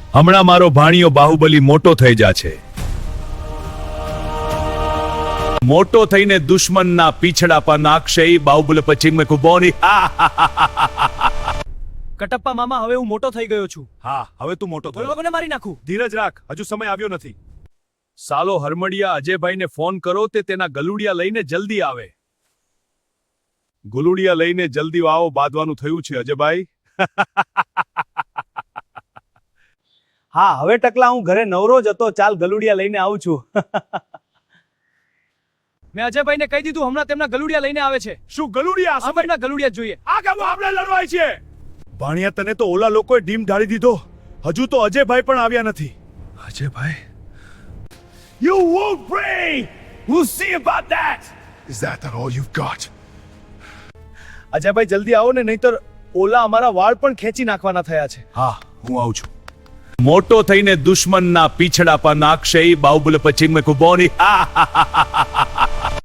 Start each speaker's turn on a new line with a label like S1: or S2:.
S1: હમણાં મારો ભાણિયો બાહુબલી મોટો થઈ જાશે, મોટો થઈને દુશ્મનના પીછડા પર નાખશે. બાહુબલી પછી મેં કુબોની.
S2: કટપ્પા મામા, હવે હું મોટો થઈ ગયો છું.
S1: હા, હવે તું મોટો
S2: તો એ લોકોને મારી નાખું.
S1: ધીરજ રાખ, હજુ સમય આવ્યો નથી. સાલો હરમડિયા અજયભાઈને ફોન કરો, તે તેના ગલુડિયા લઈને જલ્દી આવે. ગુલુડિયા લઈને જલ્દી આવો, બાંધવાનું થયું છે અજયભાઈ.
S2: હા, હવે ટકલા હું ઘરે નવરો જ હતો. ચાલ ગલુડિયા લઈને આવું છું. મેં અજયભાઈને કહી દીધું, હમણાં તેમના ગલુડિયા લઈને આવે છે.
S1: શું ગલુડિયા?
S2: આપણના ગલુડિયા જોઈએ.
S1: આ કામ આપણે લડવાય છે. ભાણિયા, તને તો ઓલા લોકોએ ડીમ ઢાળી દીધો. હજુ તો અજયભાઈ પણ આવ્યા નથી. Ajaybhai, you won't bring. We'll see about that. Is that all you've got?
S2: Ajaybhai જલ્દી આવો ને, નહીતર ઓલા અમારા વાળ પણ ખેંચી નાખવાના થયા છે.
S1: હા, હું આવું છું. મોટો થઈને દુશ્મનના પીછડા પર નાખશે. બાહુબલી પછી મેં કુબોની.